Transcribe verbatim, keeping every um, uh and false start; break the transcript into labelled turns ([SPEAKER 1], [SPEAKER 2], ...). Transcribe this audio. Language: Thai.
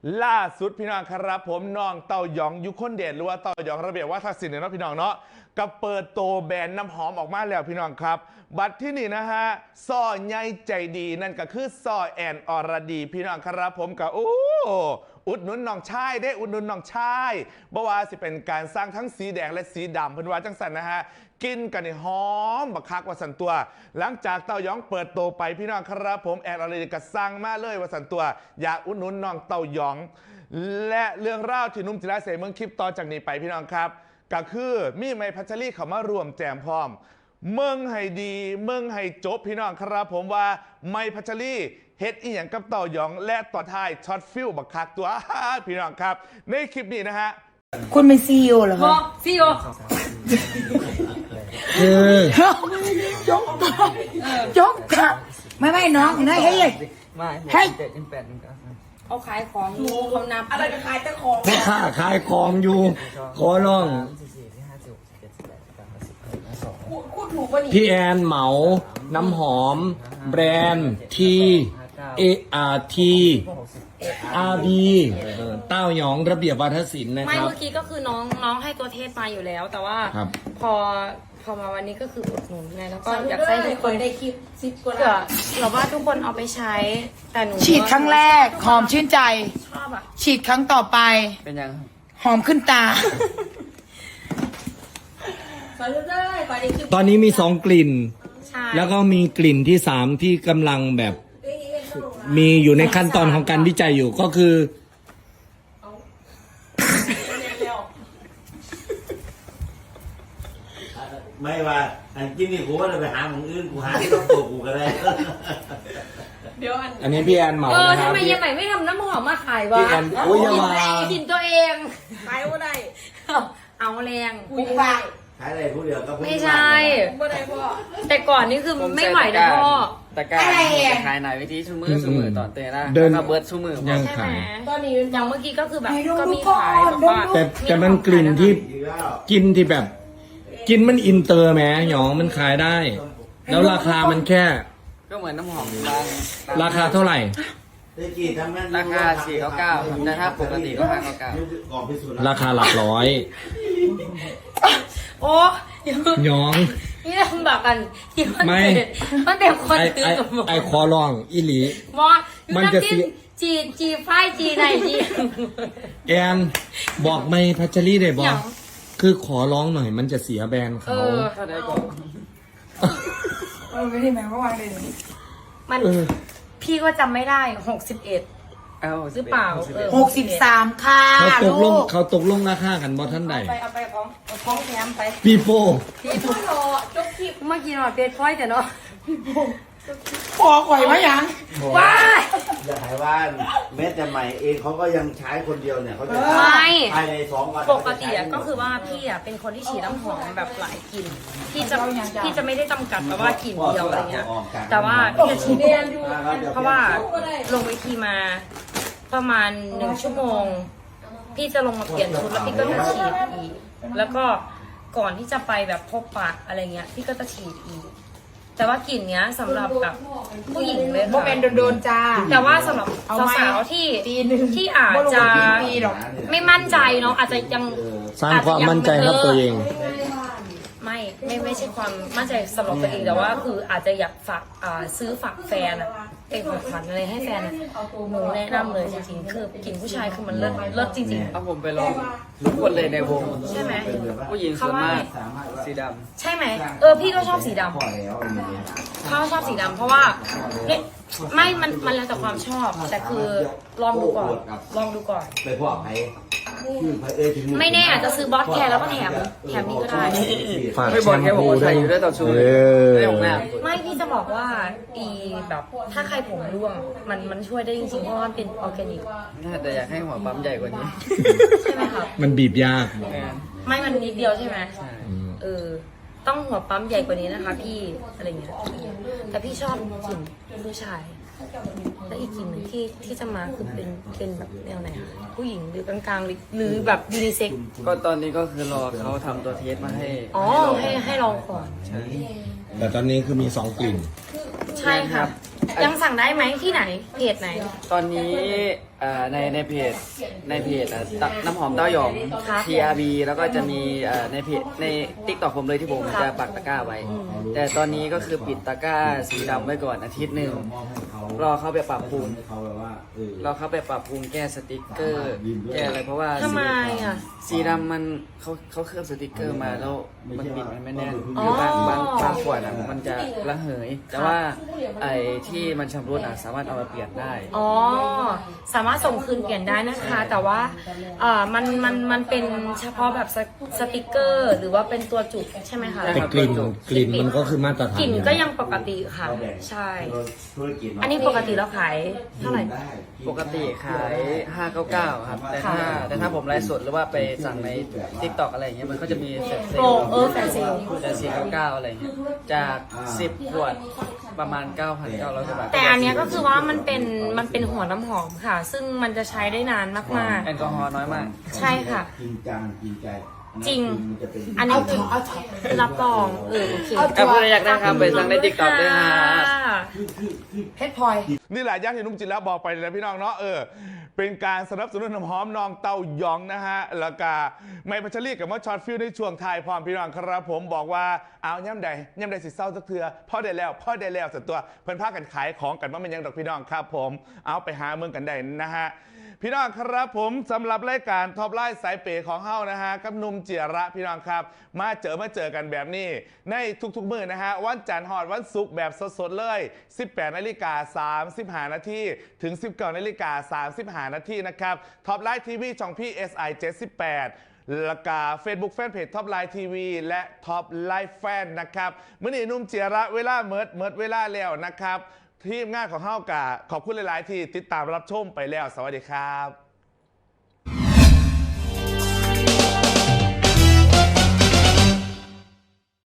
[SPEAKER 1] ล่าสุดพี่น้องครับผมน้องเต้ายองยุคนเดชหรือว่าเต้ายองระเบียบวัฒนศิลป์เนาะพี่น้องเนาะกับเปิดโตแบรนด์น้ำหอมออกมาแล้วพี่น้องครับบัตรที่นี่นะฮะซ่อใหญ่ใจดีนั่นก็คือซ่อแอนอรดีพี่น้องครับผมกับโอ้อุดหนุนน้องชายได้อุดหนุนน้องชายบ่ว่าสิเป็นการสร้างทั้งสีแดงและสีดำเพิ่นว่าจังสันนะฮะกินกันในหอมบักคักว่าสันตัว หลังจากเต้ายองเปิดโตไปพี่น้องครับผมแอนอรดีก็สั่งมาเลยว่าสันตัวอยากอุดหนุนน้องเต้ายองและเรื่องราวที่นุ่มจิราเสเมืองคลิปต่อจากนี้ไปพี่น้องครับก็คือมีไมพัชรีเขามารวมแจมพร้อมเมืองให้ดีเมืองให้จบพี่น้องครับผมว่าไมพัชรีเฮ็ดอีหยังกับเต้ายองและต่อท้ายช็อตฟิลบักคักตัวพี่น้องครับในคลิปนี้นะฮะ
[SPEAKER 2] คุณเป็นซีอีโอเหรอครับ
[SPEAKER 3] ซีอีโอ
[SPEAKER 2] คือยกยกค่ะไม่ไม่น้องนะเฮ้ยเฮ้ย
[SPEAKER 3] เขาขายของอยู่เขานับอะไรจะขายแต่ของ
[SPEAKER 2] แม่ค้าขายของอยู่ขอร้องพี่แอนเหมาน้ำหอมแบรนด์ทีเออาร์ทีอาร์บีเต้าหยองระเบียบวัฒนศิลป์นะครับ
[SPEAKER 3] ไม่เมื่อกี้ก็คือน้องน้องให้ตัวเทศมาอยู่แล้ว แต่ว่าพอพอมาวันนี้ก็คืออุดหนุนไงแล้วก็อยากให้ทุกคนได้คลิปซิปก็ได้เราว่าทุกคนเอาไปใช้แต่หนู
[SPEAKER 2] ฉีดครั้งแรกหอมชื่นใจ
[SPEAKER 3] ชอบอ่ะ
[SPEAKER 2] ฉีดครั้งต่อไป
[SPEAKER 4] เป็นยัง
[SPEAKER 2] หอมขึ้นตาตอนนี้มีสองกลิ่นแล้วก็มีกลิ่นที่สามที่กำลังแบบมีอยู่ในขั้นตอนของการวิจัยอยู่ก็คือ
[SPEAKER 5] ไม่ว่าอันกินนี่กูว่าเราไปหาของอื่นกูหาที่ต้องตัวกูก็ได้
[SPEAKER 3] เดี๋ยวอัน
[SPEAKER 2] อันนี้พี่แอนเหมา
[SPEAKER 3] เออ
[SPEAKER 2] ท
[SPEAKER 3] ำไมยังไงไม่ทำน้ำหอมมาขายวะ
[SPEAKER 2] พี่แอนโอ้ยยังมา
[SPEAKER 3] กินตัวเองขายว่าได้เอาแรง
[SPEAKER 5] กูขายขายอะไรผู้เดียวก็
[SPEAKER 3] ไม่ใช่แต่ก่อนนี่คือไม่ไหวนะพ่อ
[SPEAKER 4] ตะการจะขายหน่อยวิธีชูมือชูมือต่อเตะนะเดินมาเบิร์ดชูมือ
[SPEAKER 3] ใช่ไหมตอนนี้อย่างเมื่อกี้ก็คือแบบก็มีขายแบบว่า
[SPEAKER 2] แต่แต่มันกลิ่นที่กินที่แบบกินมันอินเตอร์แม้หยองมันขายได้แล้วราคามันแค่
[SPEAKER 4] ก็เหมือนน้ำหอมบาง
[SPEAKER 2] ราคาเท่าไหร่
[SPEAKER 4] ราคาสี่เก้าเก้าแต่ถ้าปกติก็ห้าเก้าเก้า
[SPEAKER 2] ราคาหลักร้อย
[SPEAKER 3] โอ้
[SPEAKER 2] หยอง
[SPEAKER 3] นี่ลำบากกันที่มัน
[SPEAKER 2] ไม่
[SPEAKER 3] มันเต็มคนตื่น
[SPEAKER 2] ไอคอลองอิลี
[SPEAKER 3] มันจะจีจีจีไฟจีไหนจี
[SPEAKER 2] แอนบอกไม่พัชรีได้บอกคือขอร้องหน่อยมันจะเสียแบรนด์เขาเออ
[SPEAKER 4] ได้ก่อน
[SPEAKER 2] เออไม่ได้แม้ว่าวางเลย
[SPEAKER 3] มันพี่ก็จำไม่ได้หกสิบเอ็ดหรือเปล่า
[SPEAKER 2] หกสิบสามค่ะเขาตกลงเขาตกลงราคากันบอท่านใด
[SPEAKER 3] ไปเอาไปของของแถมไป
[SPEAKER 2] ปีโป้
[SPEAKER 3] ปีโป้จบคลิปเมื่อกี้หน่อยเป็นพ้อยแต่เนาะปีโป้
[SPEAKER 2] พอข่อยมายัง
[SPEAKER 3] ว้า
[SPEAKER 5] อย่าหายว่านแม้แต่ใหม่เองเขาก็ยังใช้คนเดียวเนี่ยเขาจะภายในสองวัน
[SPEAKER 3] ปกติก็คือว่าพี่อ่ะเป็นคนที่ฉีดน้ำหอมแบบหลายกลิ่นพี่จะพี่จะไม่ได้จำกัดแบบว่ากลิ่นเดียวอะไรเงี้ยแต่ว่าพี่จะฉีดเพราะว่าลงเวทีมาประมาณหนึ่งชั่วโมงพี่จะลงมาเปลี่ยนชุดแล้วพี่ก็จะฉีดอีกแล้วก็ก่อนที่จะไปแบบพบปะอะไรเงี้ยพี่ก็จะฉีดอีกแต่ว่ากลิ่นเนี้ยสำหรับแบบผู้หญิงเลยค่ะ
[SPEAKER 2] เป็นโดนๆจ้า
[SPEAKER 3] แต่ว่าสำหรับสาวๆที่ที่อาจจะไม่มั่นใจเนาะอาจจะยัง
[SPEAKER 2] สร้างความมั่นใจให้ตัวเอง
[SPEAKER 3] ไม่ไม่ไม่ใช่ความมั่นใจสำหรับตัวเองแต่ว่าคืออาจจะอยากฝากซื้อฝากแฟนอะเป็นของขวัญอะไรให้แฟนอะหนูแนะนำเลยจริงๆคือกลิ่นผู้ชายคือมันเลิศเลิศจริงๆ
[SPEAKER 4] เอาผมไปลองทุกคนเลยในวง
[SPEAKER 3] ใช่ไหม
[SPEAKER 4] ผู้หญิงส่วนมากสีด
[SPEAKER 3] ำใช่ไหมเออพี่ก็ชอบสีดำเขาชอบสีดำเพราะว่าเนี่ยไม่มันมันแล้วแต่ความชอบแต่คือลองดูก่อนลองดูก่อน
[SPEAKER 5] ไปพวกใคร
[SPEAKER 3] ไม่แน่อาจจะซื้อบอสแคร์แล้วก็แถมแถมนี้ก็ได้
[SPEAKER 4] ไม่บอกแค่บอกว่าใส่อยู่ได้ต่อชูได้ของหน้า
[SPEAKER 3] ไม่พี่จะบอกว่าอีแบบถ้าใครผมร่วงมันมันช่วยได้จริงๆเพราะว่ามันเป็นออร์แกนิก
[SPEAKER 4] แต่อยากให้หัวปั๊มใหญ่กว่านี้
[SPEAKER 3] ใช่ไหมครับ
[SPEAKER 2] มันบีบยาก
[SPEAKER 3] ไม่มันนิดเดียวใช่ไหมเออต้องหัวปั๊มใหญ่กว่านี้นะคะพี่อะไรเงี้ยแต่พี่ชอบกลิ่นผู้ชายและอีกกลิ่นหนึ่งที่ที่จะมาคือเป็นเป็นแบบแนวไหนคะผู้หญิงหรือกลางๆหรือแบบยูนิเซ็ก
[SPEAKER 4] ก็ตอนนี้ก็คือรอเขาทำตัวเทสมาให้
[SPEAKER 3] อ๋อให้ให้ลองก่อน
[SPEAKER 2] แต่ตอนนี้คือมีสองกลิ่น
[SPEAKER 3] ใช่ครับยังสั่งได้ไหมที่ไหนเพจไหน
[SPEAKER 4] ตอนนี้เอ่อในในเพจในเพจอ่ะตน้ำหอมเต้าหยอง
[SPEAKER 3] ครับ
[SPEAKER 4] ที อาร์ บี แล้วก็จะมีเอ่อในเพจใน TikTok ผมเลยที่ผม
[SPEAKER 3] ครับ
[SPEAKER 4] จะปักตะกร้าไว้ แต่ตอนนี้ก็คือปิดตะกร้าสีดำไว้ก่อนอาทิตย์หนึ่งรอเข้าไปปรับปรุง
[SPEAKER 5] เขาแบบว่าเออ
[SPEAKER 4] เราเข้าไปปรับปรุงแก้สติกเกอร์ แก้อะไรเพราะว่า
[SPEAKER 3] ทำไมอ่ะ
[SPEAKER 4] สีดำมันเขาเขาเคลือบสติกเกอร์มาแล้วมันปิดมันไม่แน่น
[SPEAKER 3] อ๋อ
[SPEAKER 4] คือบางบางบางขวดอ่ะมันจะระเหย แต่ว่าไอ้ที่มันชำรุดอ่ะสามารถเอามาเปลี่ยนได้
[SPEAKER 3] อ๋อ สามารถส่งคืนเปลี่ยนได้นะคะ แต่ว่าเอ่อมันมันมันเป็นเฉพาะแบบสสติกเกอร์ หรือว่าเป็นตัวจุกใช่ไหมคะ
[SPEAKER 2] แต่กลิ่นกลิ่นมันก็คือมาตรฐาน
[SPEAKER 3] กลิ่นก็ยังปกติค่ะ ใช่
[SPEAKER 5] ธุรกิจเนาะ
[SPEAKER 3] อันนี้ปกติเราขายเท่าไหร่
[SPEAKER 4] ปกติขาย ห้าเก้าเก้า ครับ แต่ถ้า
[SPEAKER 3] ค่ะ
[SPEAKER 4] แต่ถ้าผมไลฟ์สดหรือว่าไปสั่งใน TikTok อะไรอย่างเงี้ยมันก็จะมีแฟลชเซ
[SPEAKER 3] โป
[SPEAKER 4] ล
[SPEAKER 3] รเออแฟนเซล
[SPEAKER 4] จะสี่เก้าเก้าอะไรเงี้ยจากสิบขวดประมาณ เก้าพันเก้าร้อย กว่าบาท
[SPEAKER 3] แต่อันเนี้ยก็คือว่ามันเป็นมันเป็นหัวน้ำหอมค่ะ ซึ่งมันจะใช้ได้นานมาก
[SPEAKER 4] แอลกอฮอล์น้อยมาก
[SPEAKER 3] ๆ ใช่ค่ะ
[SPEAKER 5] จริงจังจริงใจ
[SPEAKER 3] จริง
[SPEAKER 5] มันจะเป็น
[SPEAKER 3] อันนี้รับรองเออโอเค
[SPEAKER 4] ถ้าพูดอยากได้ครับไปสั่งใน TikTok ด้วยครับ
[SPEAKER 3] เพชรพลอย
[SPEAKER 1] นี่แหละย่างที่นุ่มจินแล้วบอกไปเลยนะพี่น้องเนาะเออเป็นการสนับสนุนน้ำหอมน้องเต้ายองนะฮะแล้วก็ไม่พัชรีกับมอช็อตฟิลในช่วงไทายพร้อมพี่น้องครับผมบอกว่าเอาย่ำใดย่ำใดสิเศร้าสักเถื่อพ่อได้แล้วพ่อได้แล้วสักตัวเพิ่นพากันขายของกันว่ามันยังดอกพี่น้องครับผมเอาไปหาเมืองกันได้นะฮะพี่น้องครับผมสำหรับรายการท็อปไลน์สายเป๋ของเฮานะฮะกับหนุ่มเจียระพี่น้องครับมาเจอมาเจอกันแบบนี้ในทุกๆมื้อนะฮะวันจันทร์ฮอดวันศุกร์แบบสดๆเลย สิบแปดนาฬิกาสามสิบห้านาทีถึง สิบเก้านาฬิกาสามสิบห้านาทีนะครับท็อปไลน์ทีวีช่องพี่ เอส ไอ เจ็ดสิบแปดแล้วก็ Facebook Fanpage ท็อปไลน์ทีวีและท็อปไลน์แฟนนะครับมื้อนี้หนุ่มเจียระเวลาเมิดเมิดเวลาแล้วนะครับทีมงานของเฮากะขอบคุณหลายๆที่ติดตามรับชมไปแล้วสวัสดีครับ